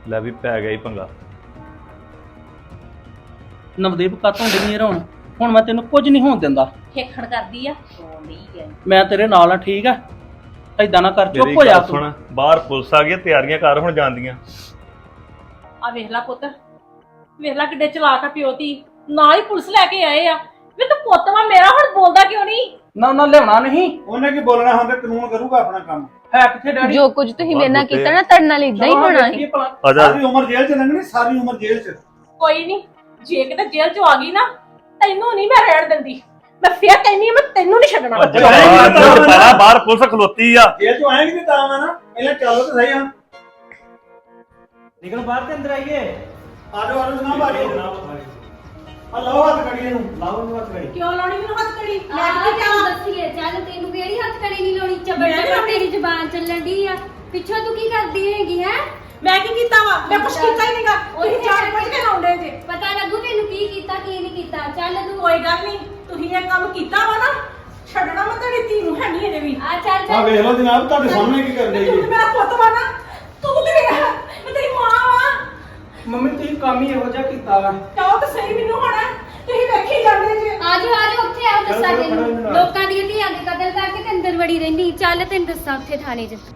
Speaker 4: ਲੈ ਵੀ ਪੈ ਗਿਆ ਹੀ ਪੰਗਾ।
Speaker 1: ਨਵਦੀਪ ਕਾਤੋਂ ਡਿੰਗੀ ਰਹਾਉਣ ਹੁਣ ਮੈਂ ਤੈਨੂੰ ਕੁਝ ਨਹੀਂ ਹੋਣ ਦਿੰਦਾ।
Speaker 2: ਖੇਖਣ ਕਰਦੀ ਆ ਸੋ ਨਹੀਂ ਹੈ
Speaker 1: ਮੈਂ ਤੇਰੇ ਨਾਲ ਆ, ਠੀਕ ਆ? ਏਦਾਂ ਨਾ ਕਰ, ਚੁੱਪ
Speaker 4: ਮੇਰੀ
Speaker 1: ਹੋ ਜਾ
Speaker 4: ਗੱਲ
Speaker 1: ਤੂੰ।
Speaker 4: ਸੁਣ, ਬਾਹਰ ਪੁਲਿਸ ਆ ਗਈ, ਤਿਆਰੀਆਂ ਕਰ ਹੁਣ ਜਾਂਦੀਆਂ।
Speaker 2: ਆ ਵੇਖ ਲੈ ਪੁੱਤ, ਵੇਖ ਲੈ ਕਿੱਡੇ ਚਲਾਕ ਆ ਪਿਓ ਧੀ, ਨਾਲ ਹੀ ਪੁਲਿਸ ਲੈ ਕੇ ਆਏ ਆ। ਵੇ ਤੂੰ ਪੁੱਤ ਵਾ ਮੇਰਾ, ਹੁਣ ਬੋਲਦਾ ਕਿਉਂ ਨਹੀਂ?
Speaker 1: ਨਾ ਉਹਨਾਂ ਲਿਆਉਣਾ ਨਹੀਂ
Speaker 7: ਉਹਨੇ ਕੀ ਬੋਲਣਾ ਹੁੰਦਾ, ਕਾਨੂੰਨ ਕਰੂਗਾ ਆਪਣਾ ਕੰਮ।
Speaker 1: ਹੈ ਕਿੱਥੇ ਡੈਡੀ?
Speaker 6: ਜੋ ਕੁਝ ਤੁਸੀਂ ਮੇਰੇ ਨਾਲ ਕੀਤਾ ਨਾ ਤੁਹਾਡੇ ਨਾਲ ਇਦਾਂ ਹੀ ਹੋਣਾ ਸੀ।
Speaker 4: ਆ ਜਾ।
Speaker 7: ਸਾਰੀ ਉਮਰ ਜੇਲ੍ਹ ਚ ਲੰਘਣੀ, ਸਾਰੀ ਉਮਰ ਜੇਲ੍ਹ ਚ।
Speaker 2: ਕੋਈ ਨਹੀਂ, ਜੇ ਕਿਤੇ ਜੇਲ੍ਹ ਚੋਂ ਆ ਗਈ ਨਾ, ਤੈਨੂੰ ਨਹੀਂ ਮੈਂ ਰਹਿਣ ਦਿੰਦੀ। ਮੈਂ ਫੇਰ ਕਹਿੰਦੀ ਆ, ਮੈਂ ਤੈਨੂੰ ਨਹੀਂ ਛੱਡਣਾ।
Speaker 4: ਬਾਹਰ ਬਾਹਰ ਪੁਲਿਸ ਖਲੋਤੀ ਆ।
Speaker 7: ਜੇਲ੍ਹ ਚੋਂ ਆਏਗੀ ਨਹੀਂ ਤਾਂ ਵਾ ਨਾ, ਪਹਿਲਾਂ ਚੱਲੋ ਤਾਂ ਸਹੀ। ਹਾਂ
Speaker 1: ਨਿਕਲ ਬਾਹਰ ਤੇ ਅੰਦਰ ਆਈਏ।
Speaker 7: ਆਜੋ ਆਜੋ ਜਨਾਬ, ਆਜੋ। ਆ ਲਾਓ ਹੱਥ ਕੜੀਏ ਨੂੰ, ਲਾਓ ਨੂੰ ਹੱਥ ਕੜੀ।
Speaker 2: ਕਿਉਂ ਲਾਉਣੀ ਮੈਨੂੰ ਹੱਥ ਕੜੀ? ਮੈਂ
Speaker 9: ਆਹ
Speaker 2: ਕਿੱਥੇ
Speaker 9: ਤੈਨੂੰ
Speaker 2: ਜਾਵਾਂ?
Speaker 9: ਦੱਸੀਏ, ਚੱਲ ਤੈਨੂੰ ਕਿਹੜੀ ਹੱਥ ਕੜੀ ਨਹੀਂ ਲਾਉਣੀ, ਚੱਬੜ
Speaker 2: ਮੈਂ ਨੀ
Speaker 9: ਚੱਬੜ ਤੇਰੀ ਜ਼ੁਬਾਨ ਚੱਲਣ ਦੀ ਆ। ਪਿੱਛੋਂ ਤੂੰ ਕੀ ਕਰਦੀ ਹੈਗੀ ਹੈ?
Speaker 2: ਮੈਂ ਕੀ ਕੀਤਾ ਵਾ? ਮੈਂ ਕੁਛ ਕੀਤਾ ਹੀ ਨਹੀਂਗਾ। ਤੁਸੀਂ ਜਾਣ ਬੁੱਝ ਕੇ ਲਾਉਂਦੇ ਜੇ।
Speaker 9: ਪਤਾ ਲੱਗੂ ਤੈਨੂੰ ਕੀ ਕੀਤਾ ਕੀ ਨਹੀਂ ਕੀਤਾ। ਚੱਲ ਤੂੰ
Speaker 2: ਕੋਈ ਗੱਲ ਨਹੀਂ, ਤੁਸੀਂ ਇਹ ਕੰਮ ਕੀਤਾ ਵਾ ਨਾ, ਛੱਡਣਾ ਮੈਂ ਤੇਰੀ ਧੀ ਨੂੰ ਹੈ ਨਹੀਂ ਅਜੇ ਵੀ।
Speaker 9: ਆ ਚੱਲ
Speaker 7: ਆ
Speaker 9: ਚੱਲ
Speaker 7: ਵੇਖ ਲਓ ਜਨਾਬ, ਤੁਹਾਡੇ ਸਾਹਮਣੇ ਕੀ ਕਰਨ
Speaker 2: ਤੇ
Speaker 7: ਡਈ
Speaker 2: ਤੂੰ
Speaker 7: ਜੀ।
Speaker 2: ਤੇ ਮੇਰਾ ਪੁੱਤ ਵਾ ਨਾ, ਤੂੰ ਤੇ ਮੇਰਾ, ਮੈਂ ਤੇਰੀ ਮਾਂ ਵਾ।
Speaker 1: ਮੰਮੀ ਤੁਸੀਂ ਕੰਮ ਹੀ ਇਹੋ ਜਿਹਾ ਕੀਤਾ ਵਾ।
Speaker 2: ਕਹੋ ਤਾਂ ਸਹੀ ਮੈਨੂੰ ਹੁਣ, ਤੁਸੀਂ ਵੇਖੀ ਜਾਂਦੇ ਜੇ।
Speaker 9: ਆਜੋ ਆਜੋ, ਉੱਥੇ ਆਓ ਦੱਸਾਂ
Speaker 7: ਚਲੋ,
Speaker 9: ਤੈਨੂੰ।
Speaker 7: ਖੜੋ ਇਹਦੇ ਨਾਲ।
Speaker 9: ਲੋਕਾਂ ਦੀਆਂ ਧੀਆਂ ਦੇ ਕਤਲ ਕਰਕੇ ਤੇ ਅੰਦਰ ਵੜੀ ਰਹਿੰਦੀ। ਚੱਲ ਤੈਨੂੰ ਦੱਸਾਂ ਉੱਥੇ ਥਾਣੇ 'ਚ।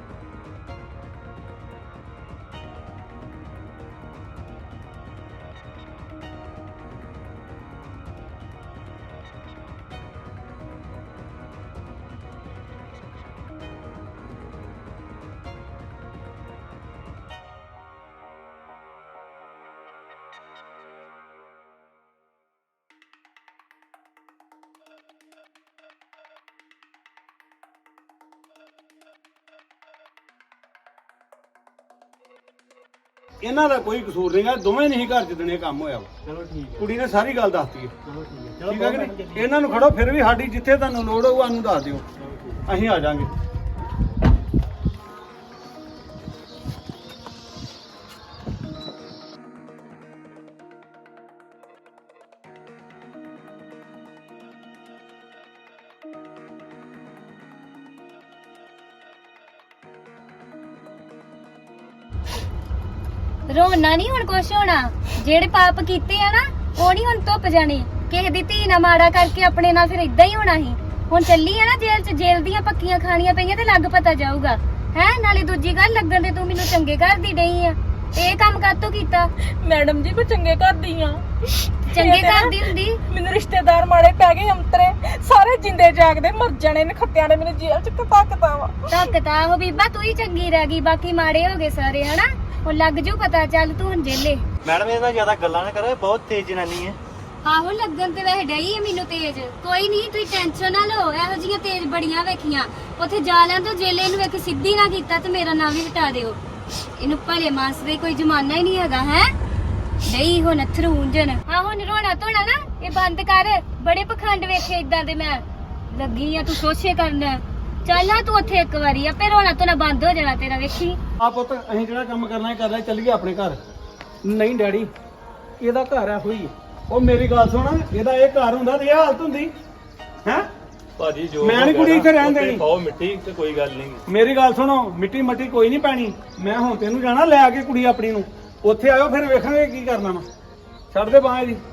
Speaker 7: ਇਹਨਾਂ ਦਾ ਕੋਈ ਕਸੂਰ ਨਹੀਂਗਾ, ਦੋਵੇਂ ਨਹੀਂ ਘਰ ਜਿੱਦਣ ਇਹ ਕੰਮ ਹੋਇਆ ਵਾ। ਚਲੋ ਠੀਕ ਹੈ, ਕੁੜੀ ਨੇ ਸਾਰੀ ਗੱਲ ਦੱਸਤੀ ਹੈ। ਚਲੋ ਠੀਕ ਹੈ, ਠੀਕ ਹੈ ਕਿ ਨਹੀਂ? ਇਹਨਾਂ ਨੂੰ ਖੜੋ, ਫਿਰ ਵੀ ਸਾਡੀ ਜਿੱਥੇ ਤੁਹਾਨੂੰ ਲੋੜ ਹੋਊ ਸਾਨੂੰ ਦੱਸ ਦਿਓ, ਅਸੀਂ ਆ ਜਾਾਂਗੇ।
Speaker 9: ਰੋਣਾ ਨਹੀਂ ਹੁਣ ਕੁਛ ਹੋਣਾ। ਜਿਹੜੇ ਪਾਪ ਕੀਤੇ ਆ ਨਾ, ਉਹ ਨਹੀਂ ਹੁਣ ਧੁੱਪ ਜਾਣੇ। ਕਿਸੇ ਦੀ ਧੀ ਨਾ ਮਾੜਾ ਕਰਕੇ ਆਪਣੇ ਨਾਲ ਫਿਰ ਇਦਾਂ ਹੀ ਹੋਣਾ ਸੀ। ਹੁਣ ਚੱਲੀ ਆ ਨਾ ਜੇਲ੍ਹ 'ਚ, ਜੇਲ੍ਹ ਦੀਆਂ ਪੱਕੀਆਂ ਖਾਣੀਆਂ ਪਈਆਂ ਤੇ ਲੱਗ ਪਤਾ ਜਾਊਗਾ। ਹੈ ਨਾਲੇ ਦੂਜੀ ਗੱਲ, ਲੱਗਣ ਤੇ ਤੂੰ ਮੈਨੂੰ ਚੰਗੇ ਘਰ ਦੀ ਡਈ ਆ, ਤੇ ਇਹ ਕੰਮ ਕਾਹਤੋਂ ਕੀਤਾ?
Speaker 2: ਮੈਡਮ ਜੀ, ਮੈਂ ਚੰਗੇ ਘਰ ਦੀ ਆ।
Speaker 9: ਚੰਗੇ ਘਰ ਦੀ ਹੁੰਦੀ।
Speaker 2: ਮੈਨੂੰ ਰਿਸ਼ਤੇਦਾਰ ਮਾੜੇ ਪੈ ਗਏ, ਅੰਤਰੇ ਸਾਰੇ ਜਿੰਦੇ ਜਾਗਦੇ ਮਰ ਜਾਣੇ ਨੇ। ਖੱਤਿਆਂ ਨੇ ਮੈਨੂੰ ਜੇਲ੍ਹ 'ਚ ਕਪਾਕਤਾ ਵਾ।
Speaker 9: ਧੱਕਤਾ ਹੋ ਬੀਬਾ, ਤੂੰ ਹੀ ਚੰਗੀ ਰਹਿ ਗਈ, ਬਾਕੀ ਮਾੜੇ ਹੋ ਗਏ ਸਾਰੇ। ਹਨਾ ਉਹ ਲੱਗ ਜੂ ਪਤਾ। ਚੱਲ ਤੂੰ ਹੁਣ ਜੇਲੇ।
Speaker 8: ਮੈਡਮ ਇਹਦਾ ਜ਼ਿਆਦਾ ਗੱਲਾਂ ਨਾ ਕਰੋ, ਬਹੁਤ ਤੇਜ਼ ਜਨਾਨੀ ਹੈ।
Speaker 9: ਆਹੋ ਲੱਗਣ ਤੇ ਵੈਸੇ ਡਈ ਹੈ ਮੈਨੂੰ ਤੇਜ਼। ਕੋਈ ਨਹੀਂ, ਤੁਸੀਂ ਟੈਨਸ਼ਨ ਨਾ ਲਓ। ਇਹੋ ਜਿਹੀਆਂ ਤੇਜ਼ ਬੜੀਆਂ ਵੇਖੀਆਂ। ਉੱਥੇ ਜਾ ਲਿਆਂ ਤੋਂ ਜੇਲੇ ਨੂੰ ਵੇਖ ਸਿੱਧੀ ਨਾ ਕੀਤਾ ਤੇ ਮੇਰਾ ਨਾਮ ਵੀ ਹਟਾ ਦਿਓ। ਇਹਨੂੰ ਭਲੇ ਮਾਨਸ ਦੇ ਕੋਈ ਜ਼ਮਾਨਾ ਹੀ ਨਹੀਂ ਹੈਗਾ। ਹੈ ਨਹੀਂ ਹੁਣ ਅਥਰੂ ਉਂਝਣ। ਹਾਂ ਹੁਣ ਰੋਣਾ ਧੋਣਾ ਨਾ ਇਹ ਬੰਦ ਕਰ। ਬੜੇ ਪਖੰਡ ਵੇਖੇ ਇਦਾਂ ਦੇ ਮੈਂ ਲੱਗੀ ਆ ਤੂੰ ਸੋਚੇ ਕਰਨ। ਚੱਲ ਆ ਤੂੰ ਉੱਥੇ ਇੱਕ ਵਾਰੀ, ਆਪੇ ਰੋਣਾ ਧੋਣਾ ਬੰਦ ਹੋ ਜਾਣਾ ਤੇਰਾ, ਵੇਖੀ।
Speaker 7: ਆ ਪੁੱਤ, ਅਸੀਂ ਜਿਹੜਾ ਕੰਮ ਕਰਨਾ ਹੈ ਕਰਨਾ, ਚੱਲੀਏ ਆਪਣੇ ਘਰ।
Speaker 1: ਨਹੀਂ ਡੈਡੀ, ਇਹਦਾ ਘਰ ਆ ਹੋਈ।
Speaker 7: ਉਹ ਮੇਰੀ ਗੱਲ ਸੁਣ, ਇਹਦਾ ਇਹ ਘਰ ਹੁੰਦਾ ਤੇ ਇਹ ਹਾਲਤ ਹੁੰਦੀ ਹੈ।
Speaker 4: ਭਾਜੀ ਜੋ
Speaker 7: ਮੈਂ ਨੀ ਕੁੜੀ ਇੱਥੇ ਰਹਿਣ ਦੇਣੀ।
Speaker 4: ਪਾਓ ਮਿੱਟੀ ਤੇ ਕੋਈ ਗੱਲ ਨਹੀਂ।
Speaker 7: ਮੇਰੀ ਗੱਲ ਸੁਣੋ, ਮਿੱਟੀ ਮੱਟੀ ਕੋਈ ਨਹੀਂ ਪੈਣੀ। ਮੈਂ ਹੁਣ ਤੈਨੂੰ ਜਾਣਾ ਲੈ ਕੇ ਕੁੜੀ ਆਪਣੀ ਨੂੰ। ਉੱਥੇ ਆਇਓ, ਫਿਰ ਵੇਖਾਂਗੇ ਕੀ ਕਰਨਾ ਵਾ। ਛੱਡ ਦੇ ਬਾਂਹ ਦੀ।